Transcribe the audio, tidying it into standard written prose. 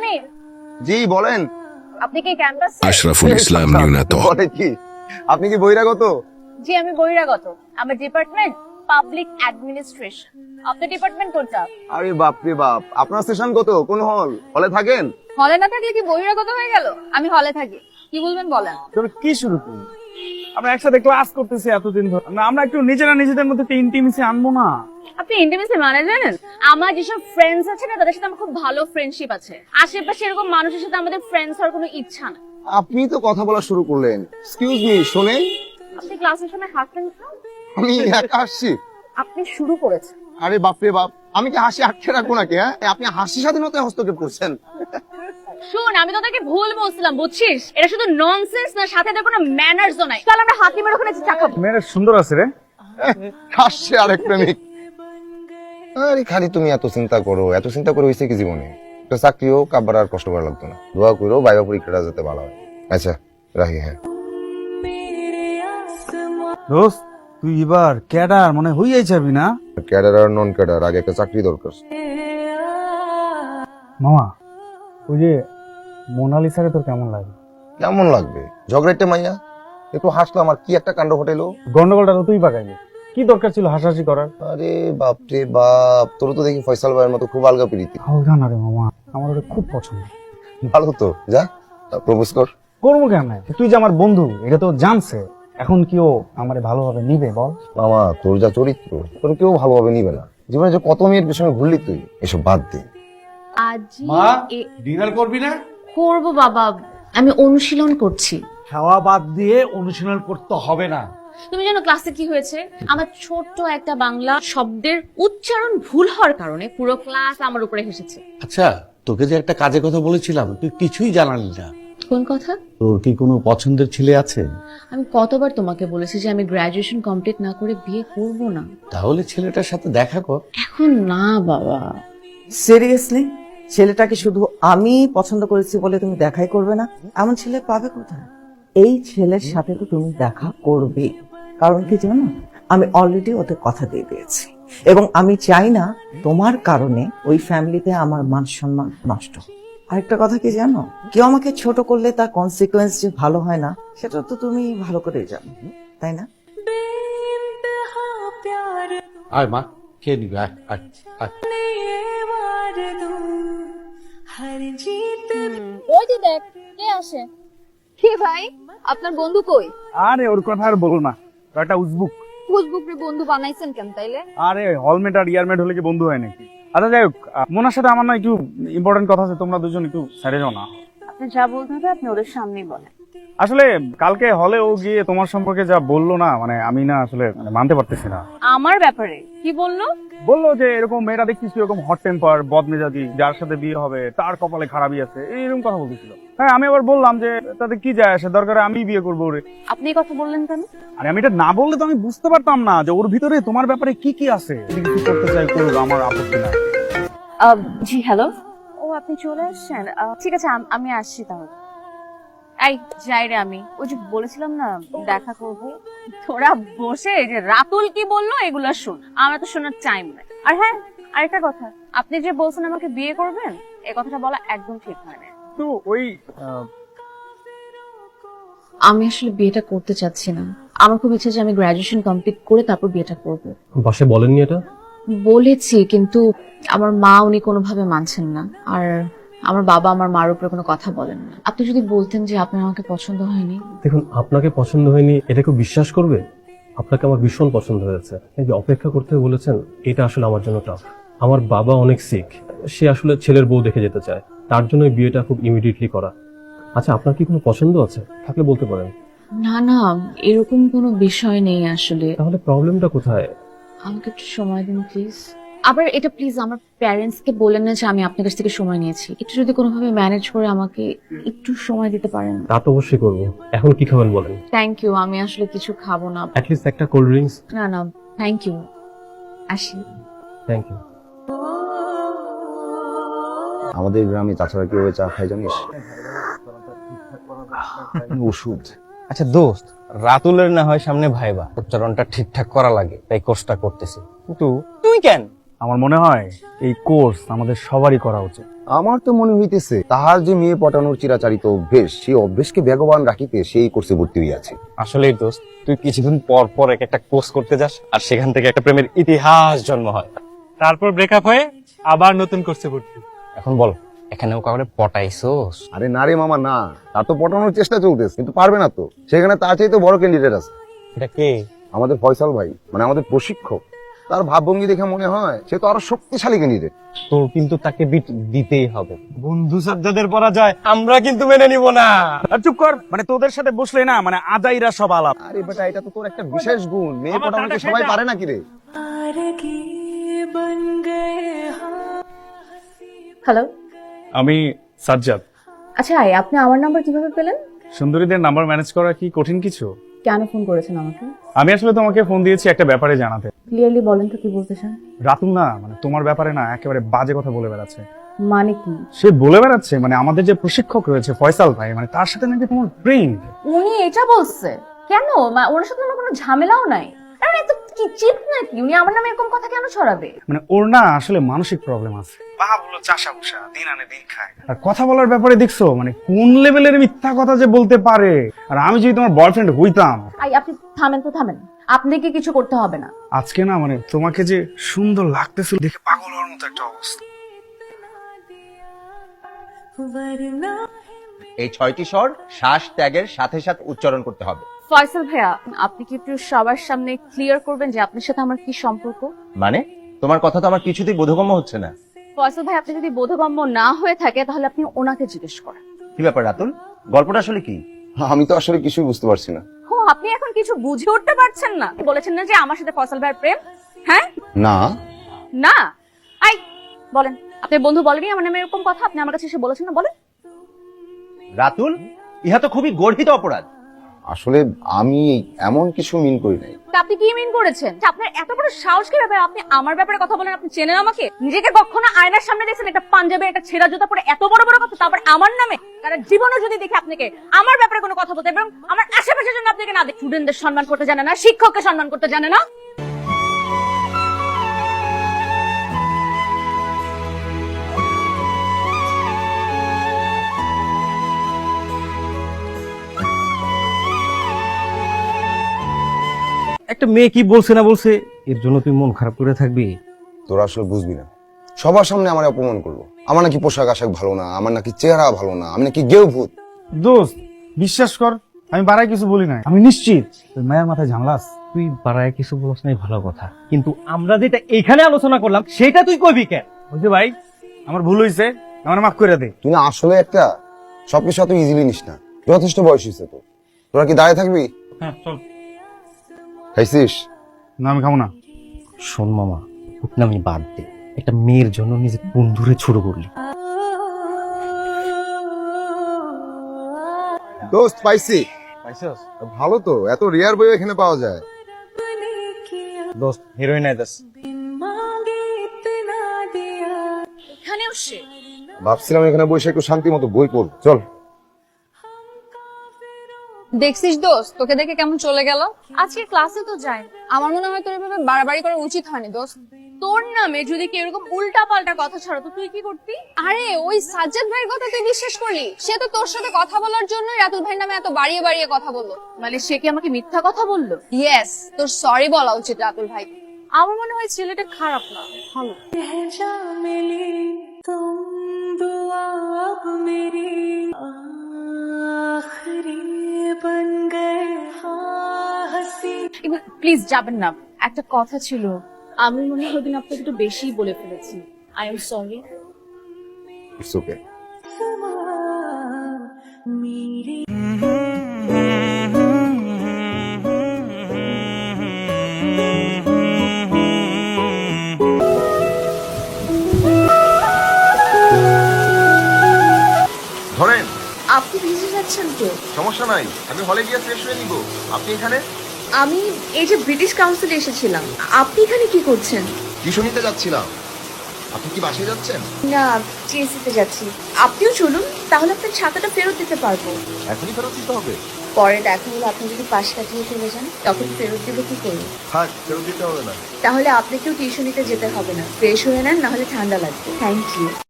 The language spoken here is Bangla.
সমীর, জি বলেন। আপনি কি ক্যাম্পাস? আশরাফুল ইসলাম নিউনাত। বলে কি আপনি কি বহিরাগত? জি আমি বহিরাগত। আমার ডিপার্টমেন্ট পাবলিক অ্যাডমিনিস্ট্রেশন। আপনার ডিপার্টমেন্ট কোনটা? আরে বাপ রে বাপ, আপনার সেশন কত? কোন হলে থাকেন? হলে না থাকলে কি বহিরাগত হয়ে গেল? আমি হলে থাকি। কি বলবেন বলেন। তুমি কি শুরু করলি? আমরা একসাথে ক্লাস করতেছি এতদিন ধরে, আমরা একটু নিজেরা নিজেদের মধ্যে একটা ইন্টিমেসি আনবো না? আপনি ইন্টিমেসি মানে জানেন? আমার যেসব ফ্রেন্ডস আছে না, তাদের সাথে আমার খুব ভালো ফ্রেন্ডশিপ আছে। আশেপাশে এরকম মানুষের সাথে আমাদের ফ্রেন্ডস হওয়ার কোনো ইচ্ছা না। আপনি তো কথা বলা শুরু করলেন। এক্সকিউজ মি, শোনেন। আপনি ক্লাসের সময় হাসতেন না? আমি একা আসছি। আপনি শুরু করেছেন। আরে বাপ রে বাপ, আমি কি হাসি আটকে রাখবো নাকি? হ্যাঁ, আপনি হাসি স্বাধীনতায় হস্তক্ষেপ করছেন। শুন, আমি তোদেরকে ভুল বলছিলাম, বুঝছিস? এটা শুধু ননসেন্স না, সাথে এদের কোনো ম্যানার্সও নাই। চল আমরা হাতি মেরে ওখানে চা খাবো। মেয়েরা সুন্দর আছে রে। হাসছে আরেক প্রেমিক। আরে খালি তুমি এত চিন্তা করো, এত চিন্তা করে হয়েছে কি জীবনে? একটা চাকরি হোক, আবার আর কষ্ট করা লাগতো না। দোয়া করো বাইবা পরীক্ষাটা যাতে ভালো হয়। আচ্ছা রাখি। হ্যাঁ দোস্ত, তুই এবার ক্যাডার মনে হইয়াই যাবি না? ক্যাডার আর নন ক্যাডার, আগে একটা চাকরি দরকার। মামা, ওই যে মোনালিসারে তোর কেমন লাগে? কেমন লাগবে? ঝগড়াইতে মাইয়া একটু হাসলো, আমার কি একটা কাণ্ড ঘটাইলো। গন্ডগোলটা তো তুই পাকাইলি, কি দরকার ছিল হাসাহাসি করার? আরে বাপ রে বাপ, তোর তো দেখি ফয়সাল ভাইয়ের মতো খুব আলগা প্রীতি। হালকা না রে মামা, আমার ওটা খুব পছন্দ। ভালো তো, যা প্রপোজ কর। করবো কেন? তুই যে আমার বন্ধু, এটা তো জানছে। এখন কি ও আমারে ভালোভাবে নিবে বল? মামা তোর যা চরিত্র, তোর কেউ ভালোভাবে নিবে না। জীবনে যে কত মেয়ের পেছনে ঘুরলি তুই, এসব বাদ দে। আজি ডিনার করবি না? করব বাবা, আমি অনুশীলন করছি। খাওয়া বাদ দিয়ে অনুশীলন করতে হবে না। তুমি জানো ক্লাসে কি হয়েছে? আমার ছোট্ট একটা বাংলা শব্দের উচ্চারণ ভুল হওয়ার কারণে পুরো ক্লাস আমার উপরে হেসেছে। আচ্ছা, তোকে যে একটা কাজের কথা বলেছিলাম, তুই কিছুই জানালি না। কোন কথা? তোর কি কোনো পছন্দের ছেলে আছে? আমি কতবার তোমাকে বলেছি যে আমি গ্রাজুয়েশন কমপ্লিট না করে বিয়ে করব না। তাহলে ছেলেটার সাথে দেখা কর। এখন না বাবা। সিরিয়াসলি? ছেলেটাকে শুধু আমি পছন্দ করেছি বলে তুমি দেখাই করবে না? এমন ছেলে পাবে কোথায়? এই ছেলের সাথে তো তুমি দেখা করবে। কারণ কি জানো, আমি অলরেডি ওদের কথা দিয়ে দিয়েছি, এবং আমি চাই না তোমার কারণে ওই ফ্যামিলিতে আমার মান সম্মান নষ্ট। আরেকটা কথা কি জানো, কেউ আমাকে ছোট করলে তার কনসিকুয়েন্স যে ভালো হয় না, সেটা তো তুমি ভালো করেই জানো, তাই না? আয় মা, খেয়ে নিবি। আয় আয় আয়। ওই যে দেখ কে আসে। কি ভাই, আপনার বন্ধু কই? আরে ওর কথা আর বলো না, ও একটা উজবুক। ফেসবুক রে বন্ধু বানাইছেন কেন তাইলে? আরে হলমেট আর ইয়ারমেট হলে কি বন্ধু হয় নাকি? আচ্ছা যাই হোক, মোনার সাথে আমার না একটু ইম্পর্টেন্ট কথা আছে, তোমরা দুজন একটু সাইডে যাও না। আপনি যা বলতে হবে আপনি ওদের সামনেই বলেন। আসলে কালকে হলে ও গিয়ে তোমার সম্পর্কে যা বললো না, মানে আমি না আসলে মানতে পারতেছি না। আমার ব্যাপারে কি বললো? বললো যে এরকম মেয়েরা দেখছিস এরকম হট টেম্পার, বদমেজাজি, যার সাথে বিয়ে হবে তার কপালে খারাপই আছে, এইরকম কথা বলতেছিল। হ্যাঁ, আমি আবার বললাম যে তাতে কি যায় আসে, দরকারে আমি বিয়ে করবো ওরে। আপনি এই কথা বললেন কেন? আরে আমি এটা না বললে তো আমি বুঝতে পারতাম না যে ওর ভিতরে তোমার ব্যাপারে কি কি আছে। যদি কিছু করতে চাই করুক, আমার আপত্তি না। জি হ্যালো। ও আপনি চলে আসছেন? ঠিক আছে আমি আসছি তাহলে। এই যাই রে, আমি ওই যে বলেছিলাম না দেখা করব। তোরা বসে যে রাতুল কি বললো এগুলো শোন, আমার তো শোনার টাইম নাই। আর হ্যাঁ, আরেকটা কথা, আপনি যে বলছেন আমাকে বিয়ে করবেন, এই কথাটা বলা একদম ঠিক হয় না। তো ওই আমি আসলে বিয়েটা করতে চাচ্ছি না। আমার খুব ইচ্ছে যে আমি গ্রাজুয়েশন কমপ্লিট করে তারপর বিয়েটা করব। বাসে বলেননি এটা? বলেছি, কিন্তু আমার মা উনি কোনোভাবে মানছেন না, আর আমার বাবা আমার মার উপরে কোনো কথা বলেন না। আপনি যদি বলতেন যে আপনার আমাকে পছন্দ হয়নি। দেখুন, আপনাকে পছন্দ হয়নি এটা কেউ বিশ্বাস করবে? আপনাকে আমার ভীষণ পছন্দ হয়েছে। এই যে অপেক্ষা করতে বলেছেন, এটা আসলে আমার জন্য টাফ। আমার বাবা অনেক সিক, সে আসলে ছেলের বউ দেখে যেতে চায়, তার জন্য এই বিয়েটা খুব ইমিডিয়েটলি করা। আচ্ছা, আপনার কি কোনো পছন্দ আছে? থাকলে বলতে পারেন। না না, এরকম কোনো বিষয় নেই আসলে। তাহলে প্রবলেমটা কোথায়? আমাকে একটু সময় দিন প্লিজ। আবার এটা প্লিজ আমার প্যারেন্টস কে বলেন না যে আমি আপনার কাছ থেকে সময় নিয়েছি। একটু যদি কোনোভাবে ম্যানেজ করে আমাকে একটু সময় দিতে পারেন। তা তো অবশ্যই করবো। এখন কি খাবেন বলেন? থ্যাংক ইউ, আমি আসলে কিছু খাবো না। অ্যাটলিস্ট একটা কোল্ড ড্রিঙ্কস। না না, থ্যাংক ইউ, আসি। Thank you. আমাদের গ্রামে চাচারা কিভাবে চা খায় জানিস? ওষুধ। আচ্ছা দোস্ত, রাতুলের না হয় সামনে ভাইবা, উচ্চারণটা ঠিকঠাক করা লাগে, তাই কোর্সটা করতেছি। কিন্তু তুই কেন? আমার মনে হয় এই কোর্স আমাদের সবারই করা উচিত। আমার তো মনে হইতেছে তাহার যে মেয়ে পটানোর চিরাচারিত অভ্যেস, সেই অভ্যেসকে বেগবান রাখিতে সেই কোর্সে ভর্তি হইয়াছে। আসলেই দোস্ত, তুই কিছুদিন পর পর এক একটা কোর্স করতে যাস আর সেখান থেকে একটা প্রেমের ইতিহাস জন্ম হয়। তারপর ব্রেকআপ হয়ে আবার নতুন করছে ভর্তি। এখন বল, এখানেও কাউরে পটাইছোস? আরে না রে মামা না, তার তো পটানোর চেষ্টা চলতেছে কিন্তু পারবে না তো। সেখানে তার চাইতে বড় ক্যান্ডিডেট আছে, এটা কে? আমাদের ফয়সাল ভাই, মানে আমাদের প্রশিক্ষক। তার ভাবভঙ্গি দেখে মনে হয় সে তো আরো শক্তিশালী ক্যান্ডিডেট। তোর কিন্তু তাকে বিট দিতেই হবে। বন্ধু সাজ্জাদের পরা যায়, আমরা কিন্তু মেনে নিব না। আর চুপ কর, মানে তোদের সাথে বসলে না মানে আজাইরা সব আলাপ। আরে বেটা, এটা তো তোর একটা বিশেষ গুণ। মেয়ে পটানোকে সবাই পারে নাকি রে? হ্যালো, আমি সাজ্জাদ। আচ্ছা আপনি আমার নাম্বার কিভাবে পেলেন? সুন্দরীদের নাম্বার ম্যানেজ করা কি কঠিন কিছু? কেন ফোন করেছেন আমাকে? আমি আসলে তোমাকে ফোন দিয়েছি একটা ব্যাপারে জানাতে। ক্লিয়ারলি বলেন তো কি বলতে চান। রাতুল না মানে তোমার ব্যাপারে না একেবারে বাজে কথা বলে বেড়াচ্ছে। মানে কি? সে বলে বেড়াচ্ছে মানে আমাদের যে প্রশিক্ষক রয়েছে ফয়সাল ভাই, মানে তার সাথে নাকি তোমার প্রেম। উনি এটা বলছে? কেন? ওনার সাথে আমার কোনো ঝামেলাও নাই। আরে এত কি চিপ নাকি? উনি আমার নামে এরকম কথা কেন ছড়াবে? মানে ওর না আসলে মানসিক প্রবলেম আছে। বাবা বলো চাষা ভুষা, দিন আনে দিন খায়। আর কথা বলার ব্যাপারে দেখছো মানে কোন লেভেলের মিথ্যা কথা যে বলতে পারে। আর আমি যদি তোমার বয়ফ্রেন্ড হইতাম। আপনি থামেন তো থামেন, আপনাকে কিছু করতে হবে না। আজকে না মানে তোমাকে যে সুন্দর লাগতেছিল দেখে পাগল হওয়ার মতো একটা অবস্থা। এই 6টি স্বর শ্বাস ত্যাগের সাথে সাথে উচ্চারণ করতে হবে। ফয়সাল ভাইয়া, আপনি কি একটু সবার সামনে ক্লিয়ার করবেন যে আপনার সাথে আমার কি সম্পর্ক? মানে তোমার কথা তো আমার কিছুতেই বোধগম্য হচ্ছে না। ফয়সাল ভাই, আপনি যদি বোধগম্য না হয়ে থাকে তাহলে আপনি ওনাকে জিজ্ঞেস করেন। কি ব্যাপার রাতুল, গল্পটা আসলে কি? আমি তো আসলে কিছুই বুঝতে পারছি না। ও, আপনি এখন কিছু বুঝে উঠতে পারছেন না? বলেছেন না যে আমার সাথে ফয়সাল ভাইয়ের প্রেম? হ্যাঁ না না, আই বলেন, আপনার বন্ধু বলেনি আমার নামে এরকম কথা? আপনি আমার কাছে এসে বলেছেন না, বলেন। রাতুল, ইহা তো খুবই গর্হিত অপরাধ। আসলে আমি এমন কিছু মিন করি নাই। তা আপনি কি মিন করেছেন? আপনার এত বড় সাহস কি ব্যাপারে আপনি আমার ব্যাপারে কথা বলেন? আপনি চেনেন আমাকে? নিজেকে কখনো আয়নার সামনে দেখছেন একটা পাঞ্জাবে একটা ছেঁড়া জুতা পরে এত বড় বড় কথা, তারপর আমার নামে? কারণ জীবনে যদি দেখি আপনাকে আমার ব্যাপারে কোনো কথা বলতে এবং আমার আশেপাশের জন্য আপনাকে না দেখি, স্টুডেন্টদের সম্মান করতে জানে না, শিক্ষককে সম্মান করতে জানে না। একটা মেয়ে কি বলছে না বলছে এর জন্য তুই মন খারাপ করে থাকবি? তোরা আসলে বুঝবি না। সবার সামনে আমার অপমান করলো। আমার নাকি পোশাক আশাক ভালো না, আমার নাকি চেহারা ভালো না, আমি নাকি গেও ভূত। দোস্ত বিশ্বাস কর, আমি বাড়াই কিছু বলি নাই। আমি নিশ্চিত তোর মায়ের মাথায় ঝামেলা আছে। তুই বাড়ায় কিছু বলছ নাই, ভালো কথা, কিন্তু আমরা যেটা এখানে আলোচনা করলাম সেটা তুই কইবি কেন? বুঝলি ভাই, আমার ভুল হয়েছে, আমার মাফ করে দে। তুই না আসলে একটা সবকিছু এত ইজিলি নিস না। যথেষ্ট বয়স হয়েছে তো। তোরা কি দাঁড়িয়ে থাকবি? হ্যাঁ চল। খাইছিস? না আমি খাবো না। শোন মামা, আমি বাদ দে, একটা মেয়ের জন্য নিজের বন্ধুরে ছোট করলি। দোস্ত পাইছি। পাইছস? ভালো তো, এত রেয়ার বই এখানে পাওয়া যায়। দোস্ত হিরোইন আইতাস। এখানেও সে? ভাবছিলাম এখানে বসে একটু শান্তি মতো বই পড়ব। চল। দেখছিস দোস্ত, তোকে দেখে কেমন চলে গেল। আজকে ক্লাসে তো যাই, আমার মনে হয় তোর এভাবে বাড়াবাড়ি করা উচিত হয়নি দোস্ত। তোর নামে যদি কেউ এরকম উল্টা পাল্টা কথা ছড়াতো তুই কি করতি? আরে ওই সাজ্জাদ ভাইয়ের কথা তুই বিশ্বাস করলি? সে তো তোর সাথে কথা বলার জন্য রাতুল ভাইয়ের নামে এত বাড়িয়ে বাড়িয়ে কথা বললো। মানে সে কি আমাকে মিথ্যা কথা বললো? ইয়েস, তোর সরি বলা উচিত রাতুল ভাই। আমার মনে হয় ছেলেটা খারাপ না, ভালো। প্লিজ যাবেন না, একটা কথা ছিল। আমি মনে হয় ওদিন আপনাকে একটু বেশি বলে ফেলেছি। I am sorry. It's okay. ধরেন। আপনি ভিজে যাচ্ছেন তো? সমস্যা নাই, আমি হলে গিয়ে ফ্রেশ হয়ে নিব। আপনি এখানে? আমি এই যে ব্রিটিশ কাউন্সিলে এসেছিলাম। আপনি এখানে কি করছেন? টিউশন নিতে যাচ্ছিলাম। আপনি কি বাসায় যাচ্ছেন? না, টিএসসিতে যাচ্ছি। আপনিও চলুন, তাহলে আপনার ছাতাটা ফেরত দিতে পারবো। এখনই ফেরত দিতে হবে? পরে দেখা হলে আপনি যদি পাশ কাটিয়ে চলে যান তখন ফেরত দিব কি করবো? থাক, ফেরত দিতে হবে না। তাহলে আপনাকেও টিউশনিতে যেতে হবে না। ফ্রেশ হয়ে নেন, নাহলে ঠান্ডা লাগবে। Thank you.